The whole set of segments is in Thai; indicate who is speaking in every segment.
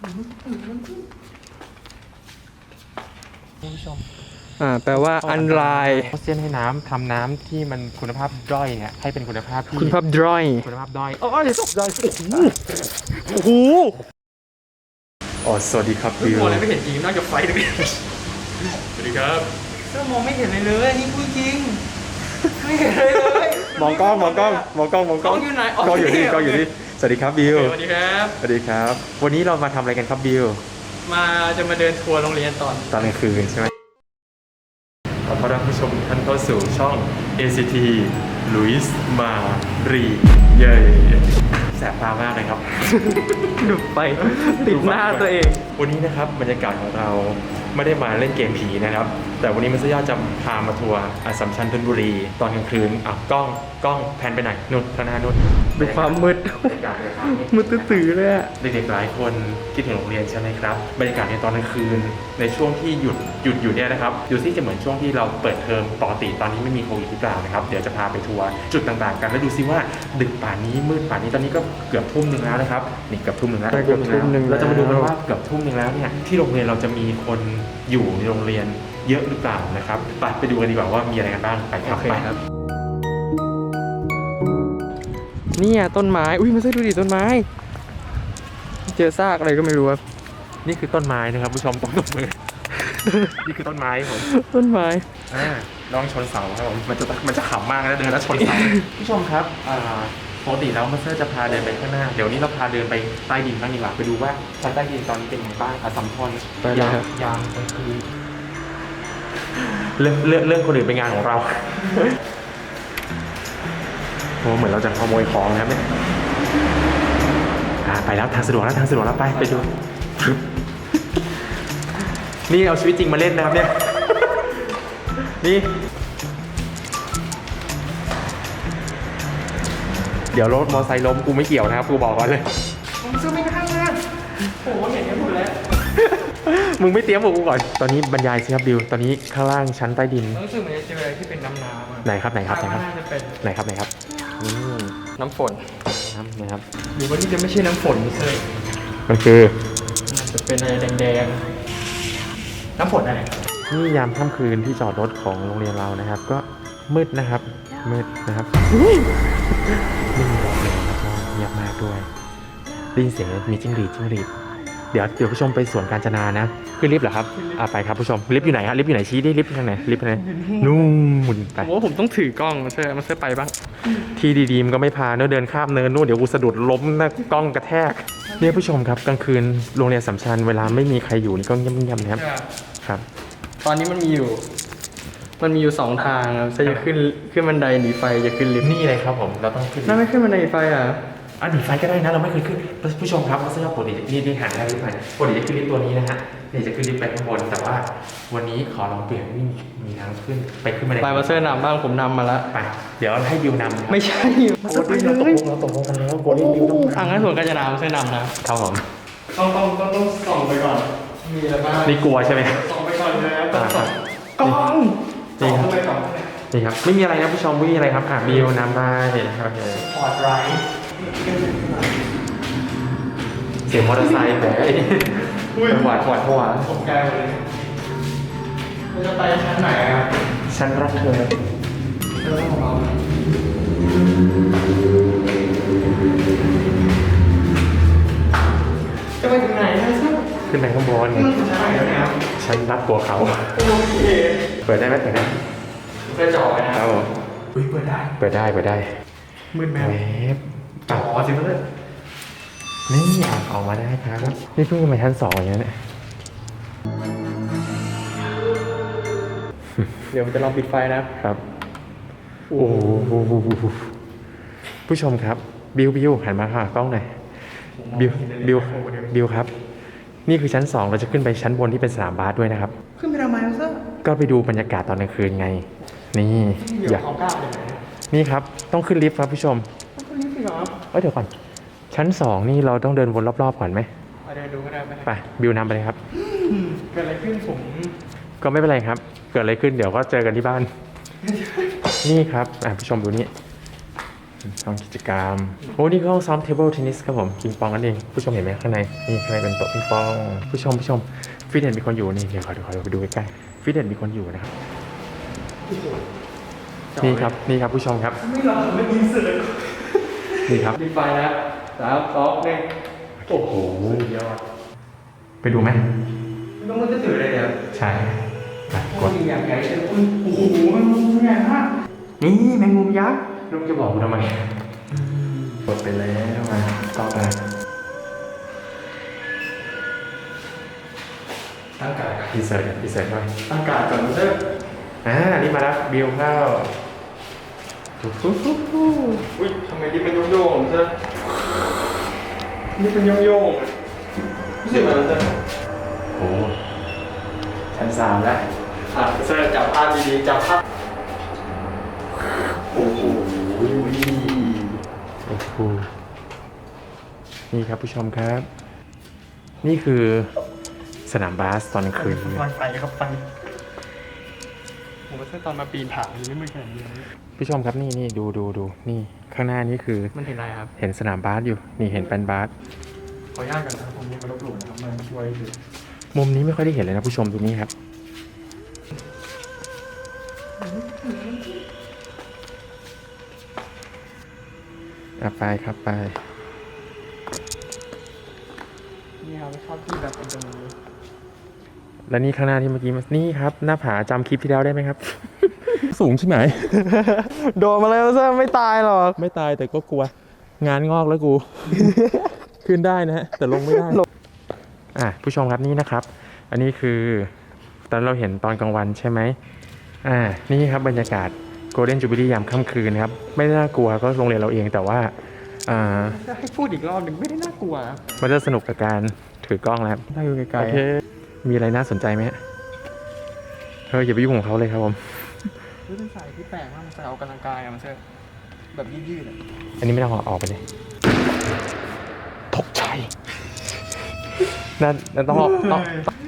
Speaker 1: คุณผู้ชม
Speaker 2: แปลว่าอันไลน์
Speaker 1: เขาเซียนให้น้ำทำน้ำที่มันคุณภาพด้อยเนี่ยให้เป็นคุณภาพที่
Speaker 2: คุณภาพดรอย
Speaker 1: คุณภาพด้อยโอ้ยตกใจโอ้โหสวัสดีครับบิว
Speaker 2: มองอะไรไม่เห็นจริงนอกจากไฟตรงนี้
Speaker 1: สวัสดีครับ
Speaker 2: ก็มองไม่เห็นเลยนี่พูดจริงไม่เห็นเลย
Speaker 1: มองกล้องอยู่ไหนกล้องอยู่นี่สวัสดีครับบิว
Speaker 2: สวัสดีครับ
Speaker 1: สวัสดีครับวันนี้เรามาทำอะไรกันครับบิว
Speaker 2: จะมาเดินทัวร์โรงเรียนตอน
Speaker 1: ตอนกลางคืนใช่ไหมขอต้อนรับผู้ชมท่านเข้าสู่ช่อง ACT ลุยส์มารีเย่แสบตามากเลยครับ
Speaker 2: ดุไปติดหน้าตัวเอง
Speaker 1: วันนี้นะครับบรรยากาศของเราไม่ได้มาเล่นเกมผีนะครับแต่วันนี้มันจะย่อจะพามาทัวร์อัสสัมชัญธนบุรีตอนกลางคืนกล้องแพนไปไหนนู่นข้างหน้านู่น
Speaker 2: ดูความมืด
Speaker 1: บรรยากาศเลยครับ
Speaker 2: มืดตื้อๆเลยอะ
Speaker 1: เด็กๆหลายคนคิดถึงโรงเรียนใช่ไหมครับบรรยากาศในตอนกลางคืนในช่วงที่หยุดอยู่เนี่ยนะครับดูซิจะเหมือนช่วงที่เราเปิดเทอมปกติตอนนี้ไม่มีโควิดหรือเปล่านะครับเดี๋ยวจะพาไปทัวร์จุดต่างๆกันแล้วดูซิว่าดึกป่านนี้มืดป่านนี้ตอนนี้ก็เกือบทุ่มหนึ่งแล้วนะครับนี่เกือบทุ่มหนึ่งแล้วเราจะมาดูกันว่าเกือบทุ่มหนึ่งแล้วเนี่ยที่โรงเรียนเราจะมีคนอยู่ในโรงเรียนเยอะหรือเปล่านะครับไปดูกันดีกว่าว่ามีอะไรกันบ้างไปครับไปครับ
Speaker 2: เนี่ยต้นไม้อุ้ยมาดูดิต้นไม้เจอซากอะไรก็ไม่รู้ครับ
Speaker 1: นี่คือต้นไม้นะครับผู้ชมต้องตบมือ นี่คือต้นไม้ผม
Speaker 2: ต้นไม้
Speaker 1: ลองชนเสาครับผมมันจะขำมากนะเดินแล้วชนเสา ผู้ชมครับปกติแล้วมาสเตอร์จะพาเดินไปข้างหน้าเดี๋ยวนี้เราพาเดินไปใต้ดินบ้างดีกว่าไปดูว่าชั้นใต้ดินตอนนี้เป็นยังไงบ้างอัสสัมชัญยามกลางคืนเรื่องคนอื่นเป็นงานของเรา โอ้เหมือนเราจะขโมยของนะครับเนี่ยไปแล้วทางสะดวกแล้วไปดู นี่เอาชีวิตจริงมาเล่นนะครับเนี่ยนี่เดี๋ยวรถมอเตอร์ไซค์ล้มกูไม่เกี่ยวนะครับกูบอกก่อนเลย
Speaker 2: ผมซื้อไม่ได้นะโอ้เห็นกันหมดแล้ว
Speaker 1: มึงไม่เตรียมบอกกูก่อนตอนนี้บรรยายสิครับบิวตอนนี้ข้างล่างชั้นใต้ดิน
Speaker 2: รู้สึกเหมือนจะเจออะไรที่เป็นน้ำๆอะ
Speaker 1: ไหนครับ
Speaker 2: น่าจะเป็น
Speaker 1: ไหนครับนี่
Speaker 2: น้ำฝน
Speaker 1: นะครับ
Speaker 2: หรือว่านี่จะไม่ใช่น้ำฝนไม่ใช่
Speaker 1: มันคือ
Speaker 2: น่าจะเป็นอะไรแดงๆน้ำฝนอะไร
Speaker 1: นี่ยามค่ำคืนที่จอดรถของโรงเรียนเรานะครับ ก็มืดนะครับไม่มีรถเลยแล้วก็เงียบมากด้วยได้ยินเสียงมีจิ้งหรีดเดี๋ยวผู้ชมไปสวนกาญจนานะขึ้นลิฟต์เหรอครับไปครับผู้ชมลิฟต์อยู่ไหนฮะลิฟต์อยู่ไหนชี้ดิลิฟต์ทางไหนลิฟต์ทางไหนนู่นไป
Speaker 2: ผมว่าผมต้องถือกล้องมาเสื้อไปบ้าง
Speaker 1: ที่ดีๆมันก็ไม่พาเนอะเดินข้ามเนินนู่นเดี๋ยวกูสะดุดล้มนะกล้องกระแทกเนี่ยผู้ชมครับกลางคืนโรงเรียนสัมชัญเวลาไม่มีใครอยู่นี่ก็เงียบๆนะครับครับ
Speaker 2: ตอนนี้มันมีอยู่สองทางครับจะขึ้นบันไดหนีไฟจะขึ้นลิฟต์
Speaker 1: นี่เลยครับผมเราต้องขึ้น
Speaker 2: น่าไม่ขึ้นบันไดหนีไฟอ่ะ
Speaker 1: หนีไฟก็ได้นะเราไม่เคยขึ้นผู้ชมครับเขาจะปกตินี่หันได้หรือเปล่าปกติจะขึ้นลิฟต์ตัวนี้นะฮะนี่จะขึ้นลิฟต์ไปข้างบนแต่ว่าวันนี้ขอลองเปลี่ยนนี่มีทางขึ้นไปขึ้นบันได
Speaker 2: ไปมาเสื้อนำบ้างผมนำมาแล้ว
Speaker 1: ไปเดี๋ยวให้บิวนำ
Speaker 2: ไม่ใช่
Speaker 1: มาไปเราตกลงกันแล้วโกลิบิวต้อง
Speaker 2: งั้นส่วนกาญจนามาเสื้อนำนะครับ
Speaker 1: ผม
Speaker 2: ต้องส่องไปก่อน มีอะไรบ้าง
Speaker 1: นี่กลัวใช่ไหม
Speaker 2: ส่องไปก่อนเลยนะต้องส่องกล้อง
Speaker 1: นี่ครับ
Speaker 2: ไปก่อน
Speaker 1: นี่ครับไม่มีอะไรนะผู้ชมไม่มีอะไรครับบิวนำไปโอเค
Speaker 2: พอร์ตไรท์
Speaker 1: เสียงมอเตอร์ไซค์แบบหวาดหัว
Speaker 2: ผมแกเลยเราจะไปชั้นไหนอ่ะ
Speaker 1: ฉันรักเธอ
Speaker 2: เรื่องของเราจะไปถึงไหนนะซึ่ง
Speaker 1: ขึ้นไปข้างบน
Speaker 2: ชั้นไหนแล้วเนี่ย
Speaker 1: ฉันรักตัวเขา
Speaker 2: โอเค
Speaker 1: เปิดได้ไหม
Speaker 2: เพื่อจ่อไปนะครับ
Speaker 1: ผม
Speaker 2: อุ้ยเปิดได้
Speaker 1: เปิดได้
Speaker 2: มืดแม
Speaker 1: เว
Speaker 2: ว
Speaker 1: ฟ
Speaker 2: จ่อสิเพื่อน
Speaker 1: นี่ออกมาได้ครับนี่เพิ่งมาชั้น 2อย่างนี้เนี่ย
Speaker 2: เดี๋ยวผมจะลองปิดไฟนะครับ
Speaker 1: โอ้โหผู้ชมครับบิวหันมาค่ะกล้องหน่อยบิวครับนี่คือชั้น 2เราจะขึ้นไปชั้นบนที่เป็นสนามบาสด้วยนะครับ
Speaker 2: ขึ้นไปทำไมเสื้อ
Speaker 1: ก็ไปดูบรรยากาศตอนกลางคืนไงนี่
Speaker 2: เดี๋ยวของก้าวเลย
Speaker 1: นี่ครับต้องขึ้นลิฟต์ครับผู้ชม
Speaker 2: ต้องขึ้นลิฟต์สิเหรอ
Speaker 1: เดี๋ยวก่อนชั้น 2นี่เราต้องเดินวนรอบๆก่อนไหม
Speaker 2: ไปเดินดูก็ได้ไหม
Speaker 1: ไปบิวนำไปเลยครับ
Speaker 2: เกิดอะไรขึ้นผม
Speaker 1: ก็ไม่เป็นไรครับ เกิดอะไรขึ้นเดี๋ยวก็เจอกันที่บ้าน นี่ครับผู้ชมดูนี่ห้องกิจกรรมโอ้นี่คือห้องซ้อมเทเบิลเทนนิสครับผมปิงปองนั่นเองผู้ชมเห็นไหมข้างในนี่ข้างในเป็นโต๊ะปิงปองผู้ชมฟิตเนสมีคนอยู่นี่เดี๋ยวขอไปดูใกล้ๆฟิตเนสมีคนอยู่นะครับนี่ครับผู้ชมครับ
Speaker 2: ไม่ยินเสือ
Speaker 1: นี่ครับ
Speaker 2: ดีไฟแล้ว3 2 1โอ้โหยอด
Speaker 1: ไปดูไหม
Speaker 2: ต้องมันจะถืออะไรเนี่ย
Speaker 1: ใช่กด
Speaker 2: ยิงอย่างใหญ่เลยโอ้โหมันใหญ่มากนี่แมงมุมยักษ์
Speaker 1: ลุงจะบอกกูทำไมกดไปแล้วมาต่อไป
Speaker 2: ตั้งกาด
Speaker 1: ดีเซอร์ด้วย
Speaker 2: ตั้งกาดก่อนเถอะ
Speaker 1: นี่มาแล้วบิลเข้า
Speaker 2: อุ้ยทำไมนี่เป็นโยงๆเถอะนี่เป็นโยงๆรู้สึกอะไรเถอะ
Speaker 1: โอ้ชั้น 3แล้ว
Speaker 2: เซอร์จับภาพดีๆจับภาพ
Speaker 1: โอ้โหนี่ครับผู้ชมครับ นี่คือสนามบาสตอนกลางคืน
Speaker 2: ไฟครับไฟผมว่าตอนมาปีนผายังไม่มืดขนาดนี้
Speaker 1: ผู้ชมครับนี่ดูนี่ข้างหน้านี่คือ
Speaker 2: มันเห็นอะไรครับ
Speaker 1: เห็นสนามบาสอยู่นี่เห็นแป้นบาส
Speaker 2: ขออนุญาตกันนะครับผมนี่มาลบหลู่นะครับมาช่วยดู
Speaker 1: มุมนี้ไม่ค่อยได้เห็นเลยนะผู้ชมตรงนี้ครับไปครับไป
Speaker 2: นี่ครับชอบที่แบบเป็นตรงนี้
Speaker 1: แล้วนี่ข้างหน้าที่เมื่อกี้นี่ครับหน้าผาจำคลิปที่แล้วได้ไหมครับ สูงใช่ไหม
Speaker 2: โดนมาแล้วซะไม่ตายหรอก
Speaker 1: ไม่ตายแต่ก็กลัวงานงอกแล้วกู ขึ้นได้นะฮะแต่ลงไม่ได้ผู้ชมครับนี่นะครับ อันนี้คือตอนเราเห็นตอนกลางวันใช่ไหมนี่ครับบรรยากาศโกลเด้นจูบิลี่ยามค่ำคืนนะครับไม่ได้น่ากลัวก็โรงเรียนเราเองแต่ว่า
Speaker 2: ถ้าให้พูดอีกรอบหนึ่งไม่ได้น่ากลัว
Speaker 1: มันจะสนุกกับการถือกล้องแล้วครับ
Speaker 2: ถ้าอยู่ไกล
Speaker 1: โอเคมีอะไรน่าสนใจไหมฮะอย่าไปยุ่งของเขาเลยครับผม
Speaker 2: ๆเป็นสายที่แปลกมากมันสายออกกำลังกายอะมันเชื่อแบบยืดๆ
Speaker 1: อันนี้ไม่ต้องออกไปเลยตกใจนั่นต้องออกต้อง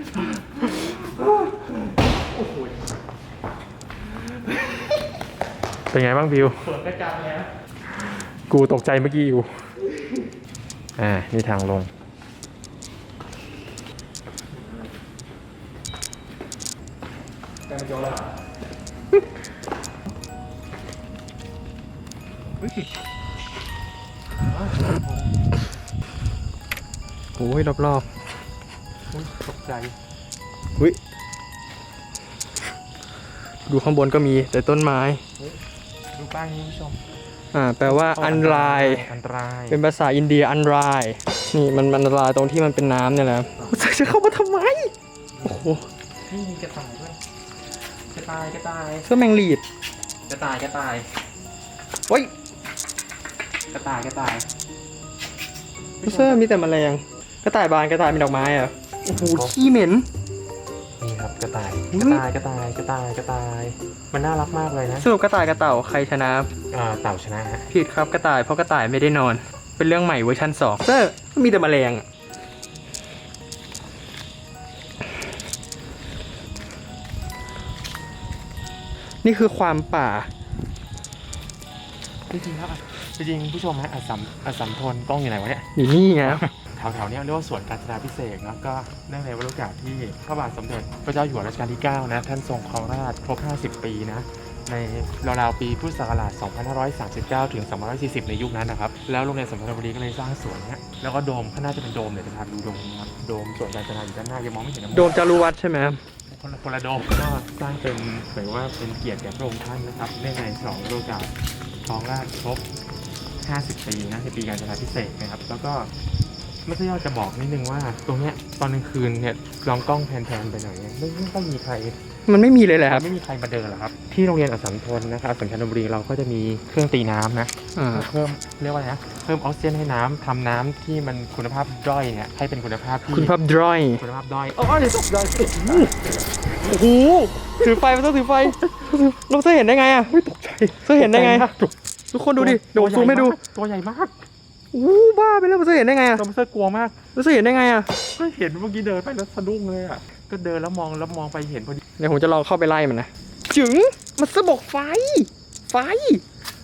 Speaker 1: เป็นไงบ้างบิว
Speaker 2: เปิดกระจังเลยนะ
Speaker 1: กูตกใจเมื่อกี้อยู่นี่ทางลง
Speaker 2: แต่มันโยนแล้วโอ้ยรอบๆตกใจดูข้างบนก็มีแต่ต้นไม้
Speaker 1: ดูป้ายนี้ผู้ชม
Speaker 2: แปลว่าอันตราย เป็นภาษาอินเดียอันตรายนี่มันอันตรายตรงที่มันเป็นน้ำเนี่ยแหละจะเข้ามาทำไมโอ้โห
Speaker 1: นี่มีกระต่ายด้วยกระต่าย
Speaker 2: เสื้อแมงลีด
Speaker 1: กระต่าย
Speaker 2: โอ้ย
Speaker 1: กระต่าย
Speaker 2: เสื้อมีแต่แมลงกระต่ายบานกระต่ายเป็นดอกไม้อะโอ้โหขี้เหม็น
Speaker 1: นี่ครับกระต่าย
Speaker 2: อุ๊ย
Speaker 1: กระต่ายมันน่ารักมากเลยนะ
Speaker 2: สรุปกระต่ายกับเต่าใครชนะ
Speaker 1: เต่าชนะฮะ
Speaker 2: ผิดครับกระต่ายเพราะกระต่ายไม่ได้นอน เป็นเรื่องใหม่เวอร์ชัน2เสื้อมีแต่แมลงอะนี่คือความป่า
Speaker 1: จริงผู้ชมฮะอัสสัมทนกล้องอยู่ไหนวะเนี่ย
Speaker 2: อยู่นี่ไง
Speaker 1: แถวๆนี้เรียกว่าสวนกาญจนาภิเษกเนาะก็เนื่องในวาระโอกาสที่พระบาทสมเด็จพระเจ้าอยู่หัวรัชกาลที่9นะท่านทรงครองราชย์ครบ50 ปีนะในราวๆปีพุทธศักราช2539ถึง2540ในยุคนั้นนะครับแล้วโรงเรียนสัมพันธบุรีก็เลยสร้างสวนเนี้ยแล้วก็โดมข้างหน้าจะเป็นโดมเลยจะพาดูโดมนะครับโดมสวนกาญจนาอยู่ด้านหน้ายังมองไม่เห็นนะ
Speaker 2: โดมจารุวัฒน์ใช่ไหม
Speaker 1: คนละโดมก็สร้างเป็นเหมือนว่าเป็นเกียรติแก่พระองค์ท่านนะครับเนื่องในฉลองวาระโอกาสครองราชย์ครบ50 ปีนะในปีกาญจนาภิเษกนะครับแล้วก็ไม่ใช่ยอดจะบอกนิดนึงว่าตรงเนี้ยตอนกลางคืนเนี่ยลองกล้องแพนๆไปหน่อยเนี่ยไม่ต้องมีใคร
Speaker 2: มันไม่มีเลยแหละครับ
Speaker 1: ไม่มีใครมาเดินหรอกครับที่โรงเรียนอัสสัมทนนะครับสัญชัญบุรีเราก็จะมีเครื่องตีน้ำนะเพิ่มเรียกว่าอะไรนะเพิ่มออกซิเจนให้น้ำทำน้ำที่มันคุณภาพด้อยเนี่ยให้เป็นคุณภาพที่
Speaker 2: คุณภาพดรอย
Speaker 1: คุณภาพด้อย
Speaker 2: อ๋อเดี๋ยวตกใจโอ้โหถือไฟมันต้องถือไฟน้องเสื้อเห็นได้ไงอะ
Speaker 1: ไม่ตกใจ
Speaker 2: เสื้อเห็นได้ไงทุกคนดูดิเดี๋ยวผมซูมให้ดู
Speaker 1: ตัวใหญ่มาก
Speaker 2: อู้บ้าไปแล้วเสื้อเห็นได้ไงอะ
Speaker 1: ตัวเสื้อกลัวมาก
Speaker 2: เสื้อเห็นได้ไงอะ
Speaker 1: ก็เห็นเมื่อกี้เดินไปแล้วสะดุ้งเลยอ่ะก็เดินแล้วมองไปเห็นพอดี
Speaker 2: เดี๋ยวผมจะลองเข้าไปไล่มันนะจึงมันเสื้อบอกไฟ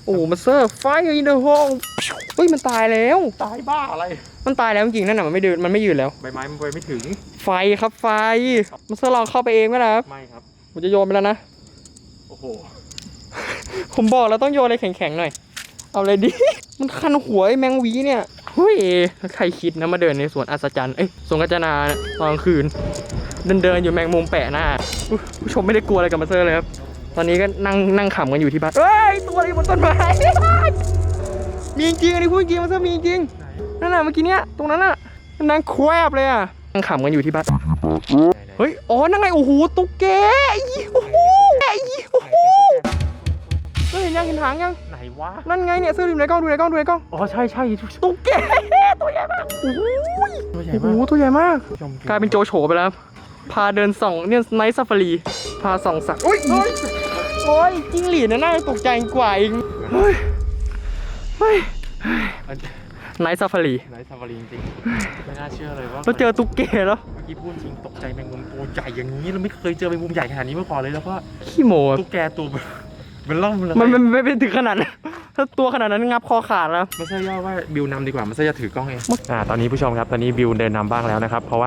Speaker 2: โอ้มาเซอร์ไฟอินเดอะโฮมเฮ้ยมันตายแล้ว
Speaker 1: ตายบ้าอะไร
Speaker 2: มันตายแล้วจริงๆนั่นน่ะมันไม่เดินมันไม่ยืนแล้ว
Speaker 1: ใบไม้มันไปไม่ถึง
Speaker 2: ไฟครับไฟมาเซอร์ลองเข้าไปเองไหมล่ะครับ
Speaker 1: ไม่ครับ
Speaker 2: ผมจะโยนไปแล้วนะ
Speaker 1: โอ้โห
Speaker 2: ผมบอกแล้วต้องโยนอะไรแข็งๆหน่อยเอาเลยดิ มันคันหัวไอ้แมงวีเนี่ยเฮ้ยใครคิดนะมาเดินในสวนอัศจรรย์สวนกัญจนาตอนกลางคืนเดินอยู่แมงมุมแปะหน้าผู้ชมไม่ได้กลัวอะไรกับมาเซอร์เลยครับตอนนี้ก็นั่งขำกันอยู่ที่บ้านเฮ้ยตัวอะไรบนต้นไม้ มีจริงอันนี้พูดจริงมาเซอร์มีจริงนั่นน่ะเมื่อกี้เนี้ยตรงนั้นน่ะนั่งแควบเลยอ่ะนั่งขำกันอยู่ที่บ้านเฮ้ยอ๋อนั่งไงโอ้โหตุ๊กแกโอ้โหโอ้โหเห็นยังเห็นหางยัง
Speaker 1: ไหนวะ
Speaker 2: นั่นไงเนี่ยเสื้อดูในกล้องดูในกล้องดูในกล้อง
Speaker 1: อ๋อใช่
Speaker 2: ตุ๊กแกตัวใหญ่มากโอ้โห
Speaker 1: ตัวใหญ่
Speaker 2: โอ้โห
Speaker 1: มาก
Speaker 2: ตัวใหญ่มาก
Speaker 1: ผู้ชม
Speaker 2: กลายเป็นโจโฉไปแล้วพาเดินส่องเนี่ยไนท์ซาฟารีพาส่องสัตว์โอ้ยจิ้งหรีดน่าจะตกใจกว่าอีกเฮ้ยไนท์ซาฟารี
Speaker 1: ไหนซาฟารีจริงๆไม่น่าเชื่อเลยว่า
Speaker 2: เราเจอตุ๊กแกแล้ว
Speaker 1: เมื่อกี้พูดจริงตกใจแมงมุมตัวใหญ่อย่างนี้เราไม่เคยเจอแมงมุมใหญ่ขนาดนี้มาก่อนเลยแล้วก็
Speaker 2: ขี้โม
Speaker 1: ตุ๊กแกตัวมันล่อมเลย
Speaker 2: มันไม่ถึงขนาดนั้นถ้าตัวขนาดนั้นงับคอขาดแล้ว
Speaker 1: ไม่ใช่ย่อว่าบิวนำดีกว่าไม่ใช่จะถือกล้องเองตอนนี้ผู้ชมครับตอนนี้บิวเดินนำบ้างแล้วนะครับเพราะว่า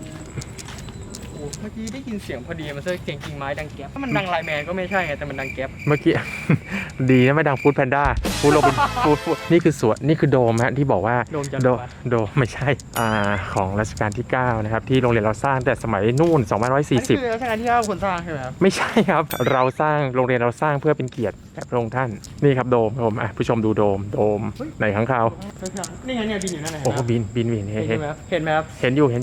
Speaker 2: เมื่อกี้ได้ยินเสียงพอดีมันเสียงกิ่งไม้ดังแก๊บถ้ามันดังไลน์แมนก็ไม่ใช่ไงแต่มันดังแก๊บ
Speaker 1: เมื่อกี้ ดีนะไม่ดังฟูดแพนด้าฟูดโรบินฟูดนี่คือสวนนี่คือโดมฮะที่บอกว่า
Speaker 2: โดมจันท
Speaker 1: โด
Speaker 2: ร์
Speaker 1: โดไม่ใช่ของรัชกาลที่9นะครับที่โรงเรียนเราสร้างแต่สมัยนู่น
Speaker 2: อันนี้คือ
Speaker 1: 2540
Speaker 2: รัชกาลที่9คนสร้างใช่ไหมครับ
Speaker 1: ไม่ใช่ครับเราสร้างโรงเรียนเราสร้างเพื่อเป็นเกียรติแด่พระองค์ท่านนี่ครับโดมผมผู้ชมดูโดมไหนข้างคาว
Speaker 2: นี่ไงเนี่ยบินอยู่นั่นไหน
Speaker 1: โอ้บินเห็น
Speaker 2: เห็นไหมครับเห็นไหมครับ
Speaker 1: เห็นอยู่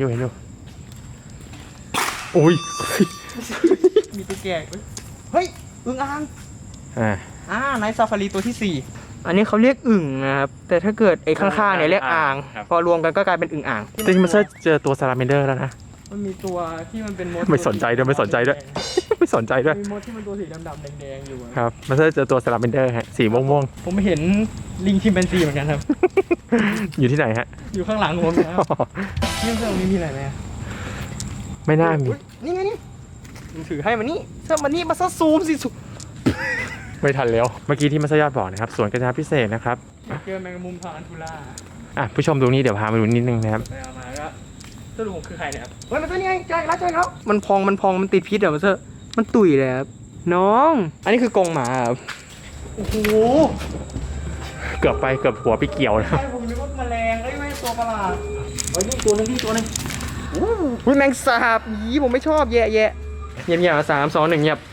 Speaker 1: โอ้ย
Speaker 2: มีตัวแก่เฮ้ยอึ่งอ่างไนท์ซาฟารีตัวที่ 4 อันนี้เขาเรียกอึ่งนะครับแต่ถ้าเกิดไอ้ข้างๆเนี่ยเรียกอ่างพอรวมกันก็กลายเป็นอึ่งอ่าง
Speaker 1: จริงๆมันเจอตัวซาลาเมนเดอร์แล้วนะ
Speaker 2: มันมีตัวที่มันเป็นมด
Speaker 1: ไม่สนใจด้วยไม่สนใจด้วย
Speaker 2: มีมดที่มันตัวสีดำๆแดงๆอยู่อะ
Speaker 1: ครับมันเจอตัวซาลาเมนเดอร์ฮะสีม่วง
Speaker 2: ผมเห็นลิงชิมแปนซีเหมือนกันครับ
Speaker 1: ๆ อยู่ที่ไหนฮะ
Speaker 2: อยู่ข้างหลังผมนะครับนี่เสื้อนี้มีอะไรไหม
Speaker 1: ไม่น่ามี
Speaker 2: นี่ไงนี่ผมถือให้มานี่เสื้อมานี่มาซะซูมสิสุ
Speaker 1: ไม่ทันแล้วเมื่อกี้ที่มัสยอดบอกนะครับสวนกัญชาพิเศษนะครับ
Speaker 2: เจอแมงมุมทางอันทูล่า
Speaker 1: ผู้ชมดูนี่เดี๋ยวพามาดูนิดนึงนะครับ
Speaker 2: ไปเอามาก็สรุปผมคือใครเนี่ยครับเฮ้ยมันตัวนี้ไงเจอแล้วมันพองมันติดพิษเหรอมันเซอร์มันตุ๋ยเลยครับน้องอันนี้คือกรงหมาครับโอ้โห
Speaker 1: เกือบหัวไปเกี่ยวนะ
Speaker 2: ใช่ผมนึกว่าแมลงไม่ตัวประหลาดเฮ้ยนี่ตัวนึงอุ้ยแมงสาบยีผมไม่ชอบแย่เงียบๆ3 2 1เงียบ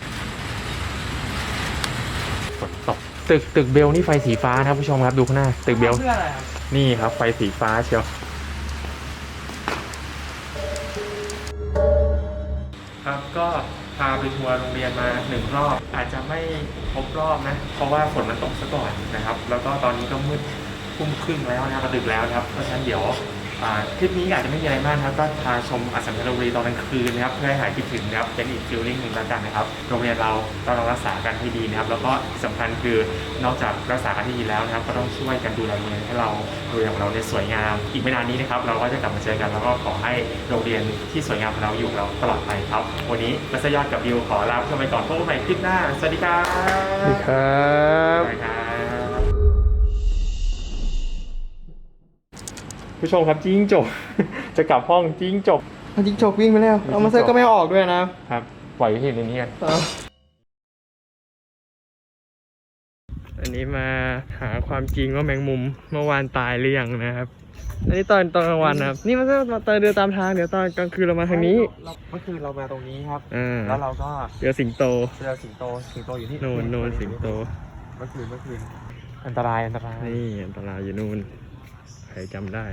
Speaker 1: ฝนตกตึกเบลนี่ไฟสีฟ้านะครับผู้ชมครับดูข้างหน้าตึกเบล
Speaker 2: เพื่ออะไรครับ
Speaker 1: นี่ครับไฟสีฟ้าเชียวครับก็พาไปทัวร์โรงเรียนมา1 รอบอาจจะไม่ครบรอบนะเพราะว่าฝนมันตกซะก่อนนะครับแล้วก็ตอนนี้ก็มืดทุ่มครึ่งแล้วนะครับดึกแล้วนะครับเพราะฉะนั้นเดี๋ยวคลิปนี้อาจจะไม่มีอะไรมากนะครับก็พาชมอัสสัมชัญธนบุรีตอนกลางคืนนะครับเพื่อให้หายคิดถึงนะครับเป็นอีกฟีลลิ่งหนึ่งแล้วกันนะครับโรงเรียนเราต้องรักษากันให้ดีนะครับแล้วก็สำคัญคือนอกจากรักษากันให้ดีแล้วนะครับก็ต้องช่วยกันดูแลโรงเรียนให้เราโรงเรียนของเราเนี่ยสวยงามอีกไม่นานนี้นะครับเราก็จะกลับมาเจอกันแล้วก็ขอให้โรงเรียนที่สวยงามของเราอยู่กับเราตลอดไปครับวันนี้มัสยอดกับบิวขอลาผู้ชมไปก่อนพบกันใหม่คลิปหน้าสวัสดีครับ
Speaker 2: สวัสดีครับ
Speaker 1: สวัสดีครับผู้ชมครับจิ้งจก จะกลับห้องจิ้งจก
Speaker 2: จิ้งจกวิ่งไปแล้วเอามาเซอร์ก็ไม่ออกด้วยนะครับ
Speaker 1: ปล่อยให้ในนี้กัน
Speaker 2: อันนี้มาหาความจริงว่าแมงมุมเมื่อวานตายหรือยังนะครับอันนี้ตอนกลางวันนะครับนี่มันก็เดินตามทางเดี๋ยวตอนกลางคืนเรามาทางนี้
Speaker 1: เมื่อคืนเรามาตรงนี้ครับ
Speaker 2: แล้
Speaker 1: แล้ว วเราก็
Speaker 2: เจอสิงโต
Speaker 1: เจอสิงโตอยู่ที่
Speaker 2: โนนสิงโต
Speaker 1: เมื่อคืนอันตราย
Speaker 2: นี่อันตรายอยู่นู่นใครจำได้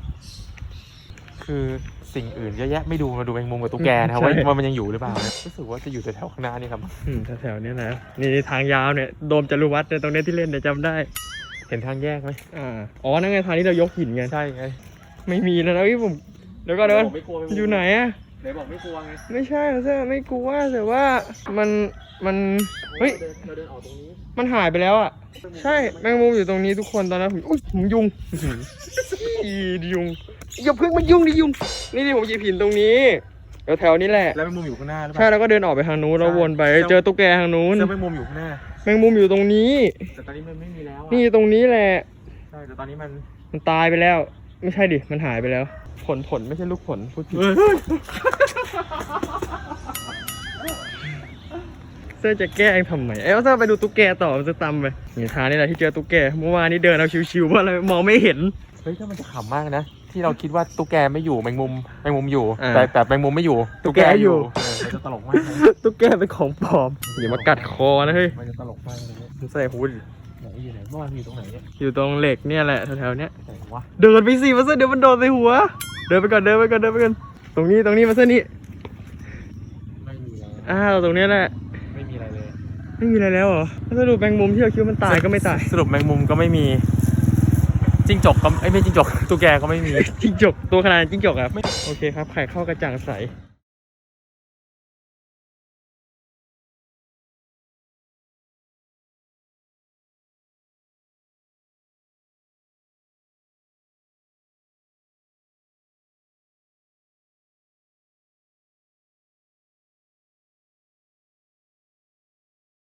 Speaker 1: คือสิ่งอื่นเยอะแยะไม่ดูมาดูแมงมุมกับตุ๊กแกนะครับ
Speaker 2: ใช่
Speaker 1: ว่ามันยังอยู่หรือเปล่านะรู้สึกว่าจะอยู่แถวๆข้างหน้านี่ครับ
Speaker 2: แถวๆนี้แหละนี่ทางยาวเนี่ยโดมจรุวัฒน์เนี่ยตรงนี้ที่เล่นเนี่ยจำได้
Speaker 1: เห็นทางแยกไหม
Speaker 2: อ๋อนั่นไงทางที่เรายกหินกัน
Speaker 1: ใช่ไง
Speaker 2: ไม่มีแล้วนะพี่ผมเดี๋ยวก็เดินอยู่ไหนอะ
Speaker 1: ไหนบอกไม่กลัวไง
Speaker 2: ไม่ใช่ใช่ไม่กลัวแต่ว่ามันเฮ้ย
Speaker 1: เราเดินออกตรงนี้
Speaker 2: มันหายไปแล้วอ่ะใช่แมงมุมอยู่ตรงนี้ทุกคนตอนนั้นผมอุ้ยผมยุงยุงอย่าเพิ่งมายุ่งดิยุงนี่ผมหยิบหินตรงนี้แถวๆนี้แหละ
Speaker 1: แล้วแมงมุมอยู่ข้างหน้าหรือเป
Speaker 2: ใช่
Speaker 1: ล่า
Speaker 2: แล้วก็เดินออกไปทางนู้นแล้ววนไปเจอตุ๊กแกทางนู้น
Speaker 1: เจอแมงมุมอยู่ข้างหน้า
Speaker 2: แมงมุมอยู่ตรงนี้
Speaker 1: แต่ตอนนี้มันไม่มีแล้วอะ
Speaker 2: นี่ตรงนี้แหละ
Speaker 1: ใช่แต่ตอนนี้มัน
Speaker 2: มันตายไปแล้ว ไม่ใช่ดิ มันหายไปแล้ว ผลไม่ใช่ลูกผลพูดผิดเสื้อจะแกล้งทำไมเอ้ยเสื้อไปดูตุ๊กแกต่อมันจะตำไปนี่ทางนี่แหละที่เจอตุ๊กแก เมื่อวานนี้เดินเอาชิวๆเพราะอะไรมองไม่เห็น
Speaker 1: เฮ้ยถ้ามันจะขำมากนะที่เราคิดว่าตุ๊กแกไม่อยู่แมงมุมอยู่
Speaker 2: อ่า
Speaker 1: แต่แมงมุมไม่อยู่
Speaker 2: ตุ๊กแกอยู่
Speaker 1: มันจะตลกมากเลย
Speaker 2: ตุ๊กแกเป็นของปลอม อย่ามากัดคอนะเฮ้ย
Speaker 1: มันจะตลกมากเลย
Speaker 2: มันใส่หูด
Speaker 1: ไหนอยู่ไหนเมื่อวานอยู่ตรงไหนเนี่ย
Speaker 2: อยู่ตรงเหล็กเนี่ยแหละแถวๆเนี้ย
Speaker 1: ไหนวะ
Speaker 2: เดินไปสิมาเส้นเดี๋ยวมันโดนใส่หัว เดินไปก่อนตรงนี้มาเส้นนี้
Speaker 1: ไม่มีแล้ว
Speaker 2: ตรงเนี้ยแหละ
Speaker 1: ไม่มีอะไรเลย
Speaker 2: ไม่มีอะไรแล้วเหรอถ้าดูแมงมุมที่เราคิดว่ามันตายก็ไม่ตาย
Speaker 1: สรุปแมงมุมก็ไม่มีจิ้งจกก็ไม่จิ้งจกตุ๊กแกก็ไม่มี
Speaker 2: จิ้งจกตัวขนาดจิ้งจกอ่ะโอเคครับไข่เข้ากระจ่างใส